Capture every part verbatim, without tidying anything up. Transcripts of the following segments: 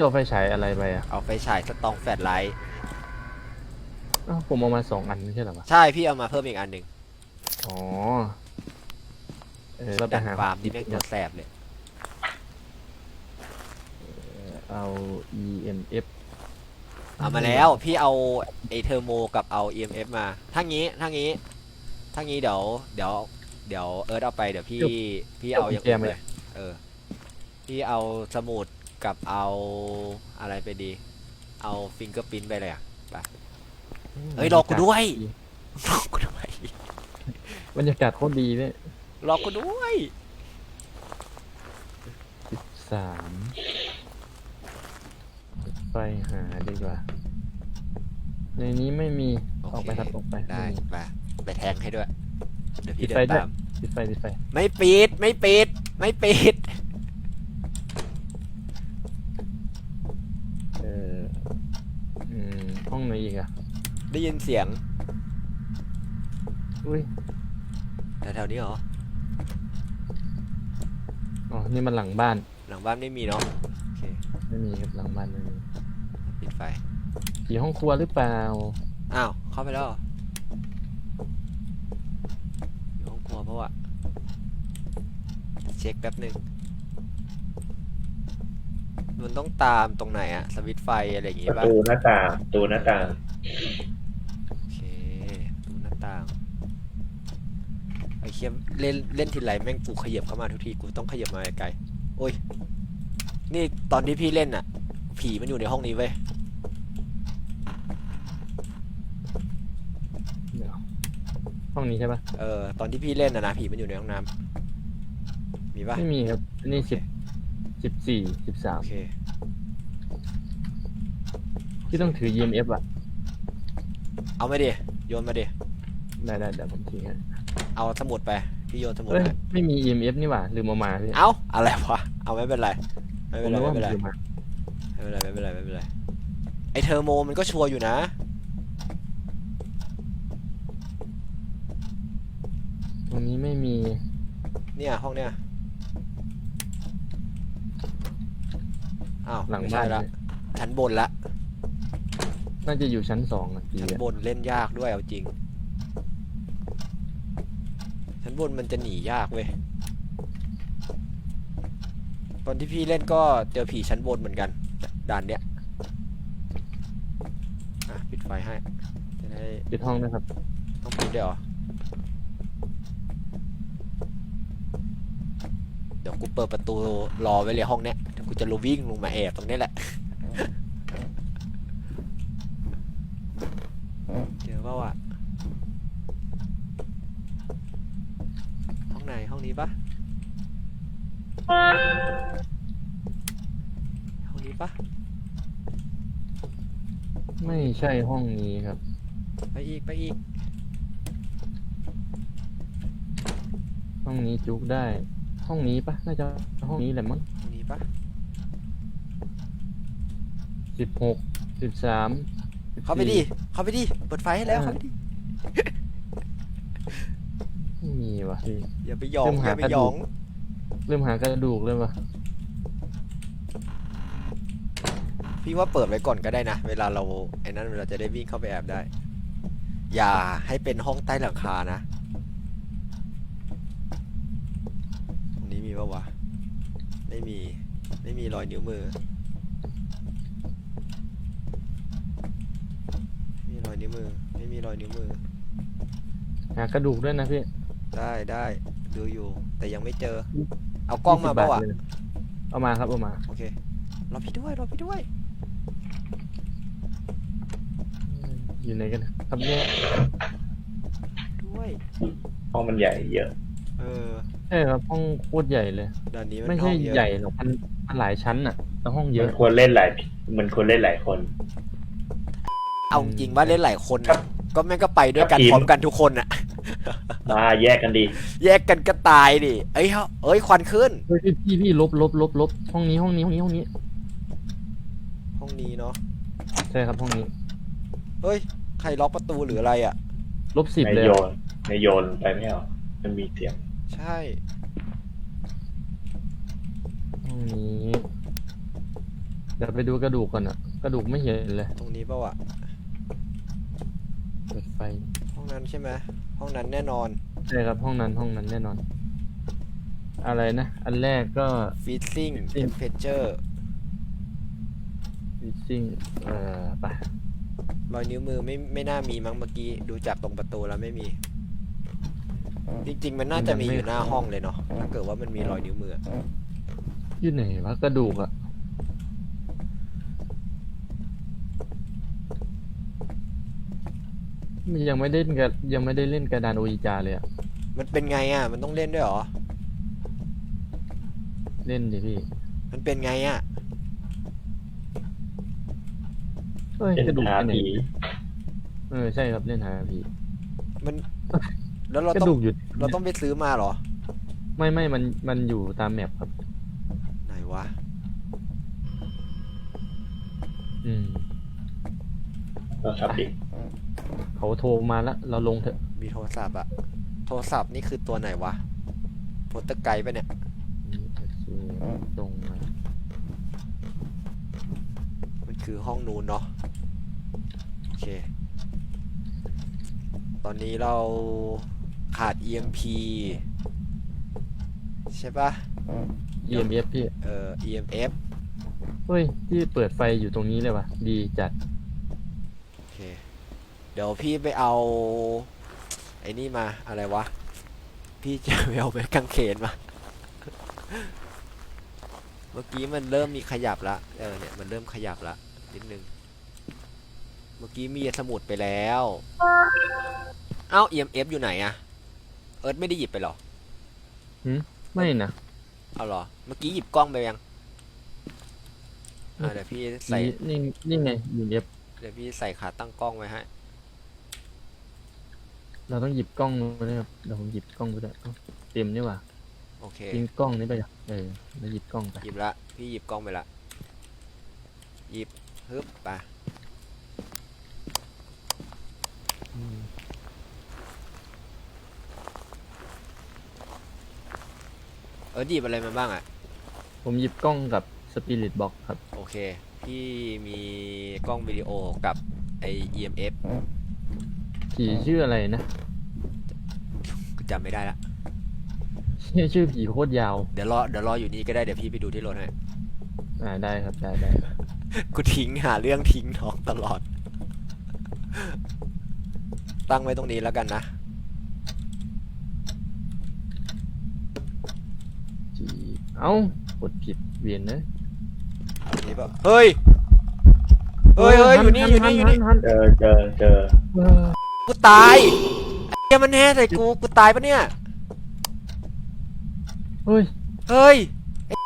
เอาไฟฉายอะไรไปอ่ะเอาไฟฉายสตองแฟลชไลท์อ้าวผมเอามาสองอันไม่ใช่เหรอวะใช่พี่เอามาเพิ่มอีกอันหนึ่งอ๋อเออเราไปดันหาฟาร์มนี่แม่งตัวแสบเลยเอา อี เอ็ม เอฟเอามาแล้วพี่เอาไอเทอร์โมกับเอา อี เอ็ม เอฟ มาถ้างี้ถ้างี้ถ้างี้เดี๋ยวเดี๋ยวเดี๋ยวเอิร์ธเอาไปเดี๋ยวพี่พี่เอาอย่างอื่นเลยเออพี่เอาสมุดกับเอาอะไรไปดีเอาฟิงเกอร์พิ้นไปเลยอ่ะไปเฮ้ยรอกูด้วยรอกูด้วยบรรยากาศโคตรดีเนี่ยรอกูด้วยสิบสามไปหาดีกว่าในนี้ไม่มีออกไปครับออกไปได้ไปไปแทงให้ด้วยเดี๋ยวปิพี่ดเดิไฟนด้วยตามปิดไฟปิดไฟไม่ปิดไม่ปิดไม่ปิดเอออืมห้องไหนอีกอ่ะได้ยินเสียงอุ้ยแถวๆนี้เหรออ๋อนี่มันหลังบ้านหลังบ้านไม่มีเนาะโอเคไม่มีครับหลังบ้านไม่มีปิดไฟผีห้องครัวหรือเปล่าอ้าวเข้าไปแล้วเหรออยู่ห้องครัวเพราะว่าเช็คแป๊บหนึ่งมันต้องตามตรงไหนอะสวิตช์ไฟอะไรอย่างงี้ประป่ะตูหน้าต่างประตูหน้าต่างโอเคดูหน้าต่างไอ้เคียมเล่นเล่นทีไรแม่งกูขยับเข้ามาทุกทีกูต้องขยับมาไกลๆโอ้ยนี่ตอนที่พี่เล่นอะผีมันอยู่ในห้องนี้เว้ยเดี๋ยวห้องนี้ใช่ปะเออตอนที่พี่เล่นอะนะผีมันอยู่ในห้องน้ำมีป่ะไม่มีครับอันนี่สิบสิบสี่สิบสามโอเคที่ต้องถือ อี เอ็ม เอฟ อ่ะเอามาดิโยนมาดิได้ได้เดี๋ยวผมถือให้เอาสมุดไปพี่โยนสมุดเอ้ยไปไม่มี อี เอ็ม เอฟ นี่หว่าลืมเอามาพี่เอาอะไรวะเอาไม่เป็นไรไม่ผเป็มนไรนึกไม่ว่าผเป็มนไรลืมมาไม่เป็นไรไม่เป็นไรไม่เป็นไรไอเทอร์โมมันก็ชัวร์อยู่นะตรงนี้ไม่มีเนี่ยห้องเนี่ยอ้าวหลังไม่บ้าใช่นละเลยชั้นบนละน่าจะอยู่ชั้นสองอ่ะพี่ชั้นอะบนเล่นยากด้วยเอาจริงชั้นบนมันจะหนียากเว้ยตอนที่พี่เล่นก็เจอผีชั้นบนเหมือนกันด่านเนี้ยอ่ะปิดไฟให้จะได้ปิดห้องนะครับต้องปิดด้วยเหรอเดี๋ยวกูเปิดประตูรอไว้เลยห้องเนี้ยเดี๋ยวกูจะลงวิ่งลงมาแอบตรงนี้แหละเจอเปล่าวะห้องไหนห้องนี้ปะห้องนี้ปะไม่ใช่ห้องนี้ครับไปอีกไปอีกห้องนี้จุกได้ ห้องนี้ปะน่าจะห้องนี้แหละมั้งห้องนี้ปะสิบหกสิบสามเข้าไปดิเข้าไปดิเปิดไฟให้แล้วเข้าไปดิไม่มีวะพี่อย่าไปหยองเริ่มอหาย่าไปกระหยดูอก งเริ่มหากระดูกเลยวะพี่ว่าเปิดไว้ก่อนก็ได้นะเวลาเราไอ้นั้นเราจะได้วิ่งเข้าไปแอบได้ อย่าให้เป็นห้องใต้หลังคานะตรงนี้มีปะวะไม่มีไม่มีรอยนิ้วมือไม่มีรอยนิ้วมือไม่มีรอยนิ้วมือหากระดูกด้วยนะพี่ได้ได้ดูอยู่แต่ยังไม่เจอ เอากล้องมายี่สิบเปล่าวะเลยเอามาครับเอามาโอเครอพี่ด้วยรอพี่ด้วยอยู่ไหนกันนะครับเนี่ยด้วยห้องมันใหญ่เยอะเออใช่ครับห้องโคตรใหญ่เลยด้านนี้มันไม่ห้ใช่องเยอะใหญ่หรอกมันมันหลายชั้นอ่ะแต่ห้องเยมัอะนควรเล่นหลายมันควรเล่นหลายคนเอาจริงว่าเล่นหลายคนน่ะก็แม่งก็ไปด้วยกันทีมพร้อมกันทุกคนอ่ะมาแยกกันดีแยกกันก็ตายดิเอ้ยเฮ้ยเอ้ยควันขึ้นเฮ้ยพี่พี่พี่ลบลบลบลบห้องนี้ห้องนี้ห้องนี้ห้องนี้ห้องนี้เนาะใช่ครับห้องนี้เฮ้ยใครล็อกประตูหรืออะไรอ่ะลบสิบในเลยโยอะนในโยนไปไม่เอามันมีเสียงใช่ห้องนี้ดี๋ยวไปดูกระดูกก่อนอะกระดูกไม่เห็นเลยตรงนี้ป่าวะเปิดไฟห้องนั้นใช่ไหมห้องนั้นแน่นอนใช่ครับห้องนั้นห้องนั้นแน่นอน อะไรนะ อันแรกก็ freezing Freezing temperature fishing เอ่อไปรอยนิ้วมือไม่ไม่น่ามีมั้งเมื่อกี้ดูจากตรงประตูแล้วไม่มี จริงๆมันน่าจะมีอยู่หน้าห้องเลยเนาะถ้าเกิดว่ามันมีรอยนิ้วมืออยู่ไหนวะกระดูกอะมันยังไม่ได้เล่นกับยังไม่ได้เล่นกระดานโออิจาเลยอะมันเป็นไงอ่ะมันต้องเล่นด้วยเหรอเล่นดิพี่มันเป็นไงอ่ะเฮ้ยเป็นกระดูกหาไปไหนผีเออใช่ครับเล่นหาผีมันแล้วเรากระต้องดูกอยู่เราต้องไปซื้อมาเหรอไม่ไม่มันมันอยู่ตามแมปครับไหนวะอืมเราทับดิเขาโทรมาแล้วเราลงเถอะมีโทรศัพท์อะโทรศัพท์นี่คือตัวไหนวะโพสเตอร์ไกด์ปะเนี่ยนี่โอเคตรงมามันคือห้องนู้นเนาะโอเค ตอนนี้เราขาด อี เอ็ม พี ใช่ปะเอ็มเอฟพี่เอ่อ อี เอ็ม เอฟเฮ้ยที่เปิดไฟอยู่ตรงนี้เลยวะดีจัดโอเค เดี๋ยวพี่ไปเอาไอ้นี่มาอะไรวะ พี่จะไปเอาไม้กางเขนมา เมื่อกี้มันเริ่มมีขยับละเออเนี่ยมันเริ่มขยับละนิดนึง เมื่อกี้มีสมุดไปแล้ว เอ้า อี เอ็ม เอฟ อยู่ไหนอะเอิร์ธไม่ได้หยิบไปหรอไม่นะเอาเหรอ เมื่อกี้หยิบกล้องไปยังอ่าเดี๋ยวพี่ใส่นี่นี่นี่ไงยูเอฟเดี๋ยวพี่ใส่ขาตั้งกล้องไว้ให้เราต้องหยิบกล้องมาด้วยครับเดี๋ยวผมหยิบกล้องไปด้วยเอ้าเต็มนี่หว่าโอเคทิ้งกล้องนี้ไปอ่ะเออแล้วหยิบกล้องไปหยิบละ พี่หยิบกล้องไปละ หยิบฮึบไปอืมเออหยิบอะไรมาบ้างอะผมหยิบกล้องกับสปิริตบ็อกครับโอเค พี่มีกล้องวิดีโอกับไอ อี เอ็ม เอฟผีชื่ออะไรนะกูจำไม่ได้ละชื่อชื่อผีโคตรยาวเดี๋ยวรอ เดี๋ยวรออยู่นี่ก็ได้ เดี๋ยวพี่ไปดูที่รถให้อ่าได้ครับได้ได้กูทิ้งหาเรื่องทิ้งน้องตลอด ตั้งไว้ตรงนี้แล้วกันนะจีเอ้ากดผิดเวียนนะนี่ปะเฮ้ย เฮ้ยเฮ้ยอยู่นี่อยู่นี่อยู่นี่หัหัเจอเจอเจอเออกูตายไอ้เหี้ยมันแห่ใส่กู กูตายปะเนี่ยเฮ้ยเฮ้ยไอ้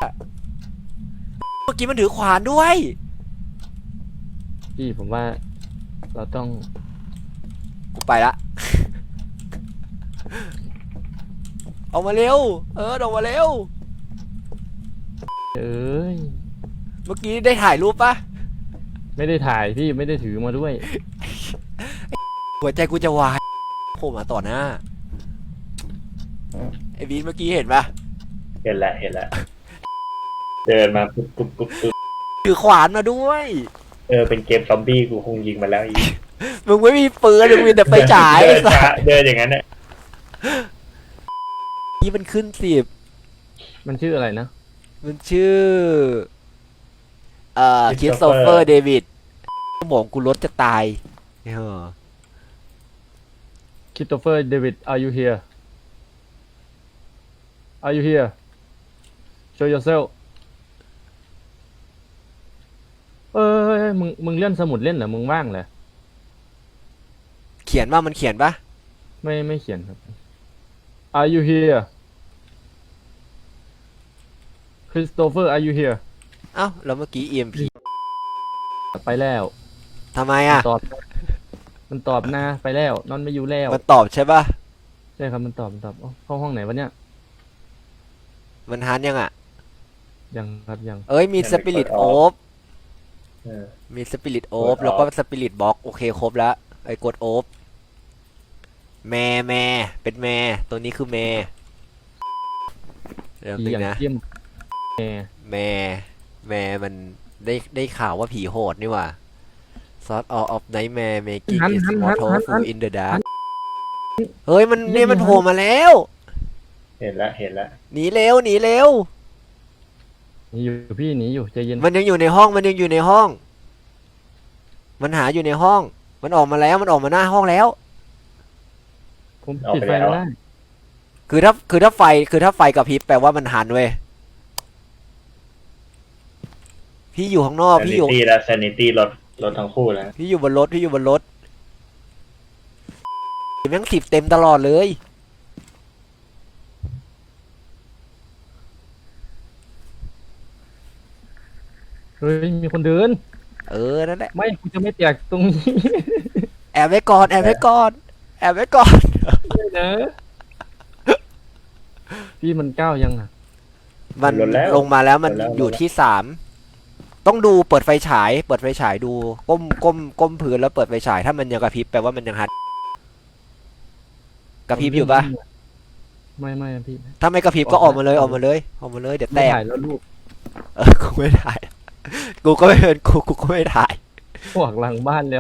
เมื่อกี้มันถือขวานด้วยพี่ผมว่าเราต้องกูไปละ ออกมาเร็ว เออออกมาเร็วเอ้ยเมื่อกี้ได้ถ่ายรูปปะไม่ได้ถ่ายพี่ไม่ได้ถือมาด้วยหัวใจกูจะวายโผล่มาต่อหน้า ไอ้บีนเมื่อกี้เห็นปะเห็นแล้วเห็นแล้วเดินมาปุ๊บปุ๊บปุ๊บปุ๊บถือขวานมาด้วยเออเป็นเกมซอมบี้กูคงยิงมาแล้วอีกมึงไม่มีปืนมึงมีแต่ไฟฉายเดินช้าเดินอย่างนั้นเนี่ยนี่มันขึ้นสิบมันชื่ออะไรนะมันชื่อ เอ่อคริสโตเฟอร์เดวิดสมองกูรถจะตายเออ Christopher David are you here are you here show yourself เอ้ยมึงมึงเล่นสมุดเล่นเหรอมึงว่างเหรอเขียนว่ามันเขียนปะไม่ไม่เขียนครับ are you here Christopher are you here เอ้าแล้วเมื่อกี้ อี เอ็ม พีไปแล้วทำไมอ่ะตอบ มันตอบนะไปแล้วนอนไม่อยู่แล้วมันตอบใช่ปะใช่ครับมันตอบมันตอบเอ้าเข้าห้องไหนวะเนี่ยมันฮันยังอ่ะยังครับยังเอ้ยมีสปิริตโอฟเออมีสปิริตโอฟกดแล้วก็ off สปิริตบ็อกโอเคครบแล้วไอ้กดโอฟแม่แม่เป็นแม่ตัวนี้คือแม่เดี๋ยวผีนึงอย่างนะเยี่ยมแหมแม่แม่มันได้ได้ข่าวว่าผีโหดนี่หว่า Sort of of nightmare making หัน is หันหัน mortal หัน full in the dark เฮ้ยมันเนี่ยมันโผล่มาแล้วเห็นแล้วเห็นแล้วหนีเร็วหนีเร็วหนีอยู่พี่หนีอยู่ใจเย็นมันยังอยู่ในห้องมันยังอยู่ในห้อง มันหาอยู่ในห้อง มันออกมาแล้วมันออกมาหน้าห้องแล้วผมปิดไฟไม่ได้คือถ้าคือถ้าไฟคือถ้าไฟกระพริบแปลว่ามันหันเว้ยพี่อยู่ข้างนอกซพี่นิอยู่ตี้และซนิตี้ลดลดทั้งคู่แล้วพี่อยู่บนรถพี่อยู่บนรถแม่งสิบเต็มตลอดเลยเฮ้ยมีคนเดินเออนั่นแหละไม่กูจะไม่แตกตรงนี้แอบไว้ก่อนแอบไว้ก่อนแอบไว้ก่อนเลยนะพี่มันก้าวยังอ่ะมันลงมาแล้วมันอยู่ที่สามต้องดูเปิดไฟฉาย เปิดไฟฉายดูก้มก้มก้มพื้นแล้วเปิดไฟฉายถ้ามันยังกระพริบแปลว่ามันยังฮัดกระพริบอยู่ปะไม่ไม่พี่ถ้าไม่กระพริบก็ออกมาเลยออกมาเลยออกมาเลยเดี๋ยวแตไม่กถ่ายแล้วลูกเออกูไม่ถ่ายกูก็ไม่เป็นกูกูก็ไม่ถ่ายพวกหลังบ้านแล้ว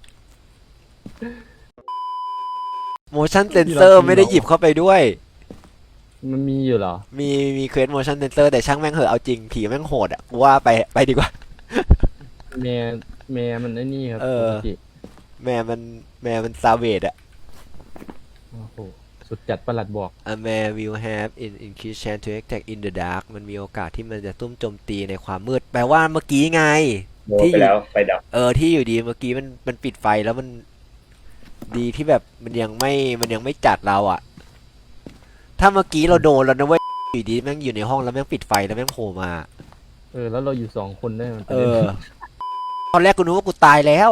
motion sensor ไม่ได้หยิบเข้าไปด้วยมันมีอยู่เหรอมีมีเควส motion sensor แต่ช่างแม่งเหอะเอาจริงผีแม่งโหดอ่ะกูว่าไปไปดีกว่าแม่แม่มันไอ้นี่ครับเออปกติแม่มันแม่มันซาเวดอ่ะโอ้โหสุดจัดประหลัดบอก A man will have in increased chance to attack in the dark มันมีโอกาสที่มันจะตุ้มโจมตีในความมืด แปลว่าเมื่อกี้ไงโดนไปแล้วไฟดับเออที่อยู่ดีเมื่อกี้มันมันปิดไฟแล้วมันดีที่แบบมันยังไม่มันยังไม่จัดเราอ่ะ ถ้าเมื่อกี้เราโดนแล้วนะเว้ยอยู่ดีแม่งอยู่ในห้องแล้วแม่งปิดไฟแล้วแม่งโผล่มาเออแล้วเราอยู่สองคนได้มันเออ ตอนแรกกูนึกว่ากูตายแล้ว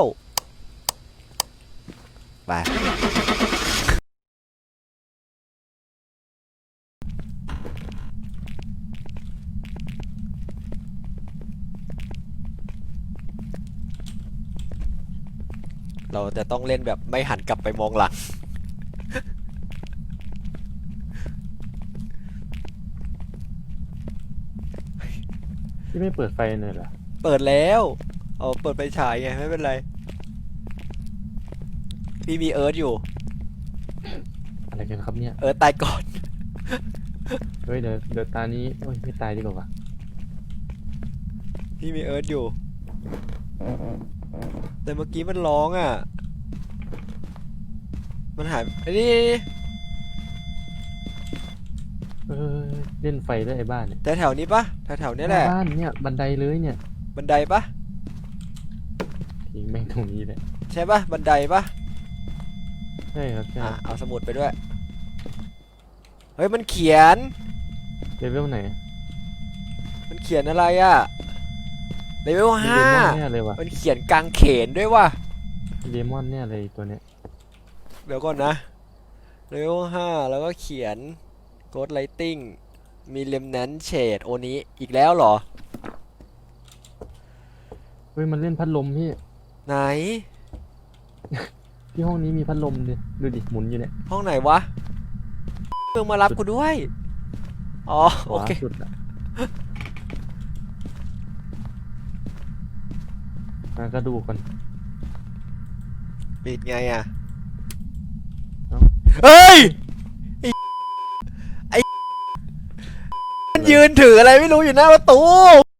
ไป เราจะต้องเล่นแบบไม่หันกลับไปมองหลังพี่ไม่เปิดไฟหน่อยเหรอเปิดแล้วเอาเปิดไปฉายไงไม่เป็นไร พี่มีเอิร์ธอยู่อะไรกันครับเนี่ยเอิร์ธตายก่อนเฮ้ยเดี๋ยวเดี๋ยวตานี้โอ้ยไม่ตายดีกว่าวะพี่มีเอิร์ธอยู่ แต่เมื่อกี้มันร้องอ่ะ มันหายไอ้นี่เออเล่นไฟด้วยไอ้บ้านเนี่ยแต่แถวนี้ปะแถวแถวๆนี้แหละบ้านเนี่ยบันไดเลยเนี่ยบันไดปะทิ้งแม่งตรงนี้เลยใช่ปะบันไดปะใช่ครับใช่อ่ะเอาสมุดไปด้วย เฮ้ยมันเขียนเลเวลไหนมันเขียนอะไรอ่ะเลเวลมีห้าเดมอนเนี่ยเลยวะมันเขียนกางเขนด้วยว่ะเดมอนเนี่ยเลยตัวเนี้ยเดี๋ยวก่อนนะเลเวลห้าแล้วก็เขียน Ghost Lighting มี Remnant Shade โอนี้อีกแล้วเหรอเฮ้ยมันเล่นพัดลมพี่ไหนที่ห้องนี้มีพัดลมดิดูดิหมุนอยู่เนี่ยห้องไหนวะเพิ่งมารับกูด้วย อ๋อขโอวาเคสุดอะมาก็ดูกันปิดไงอ่ะเอ้าเฮ้ย ไอ้ไอ้มันยืนถืออะไรไม่รู้อยู่หน้าประตู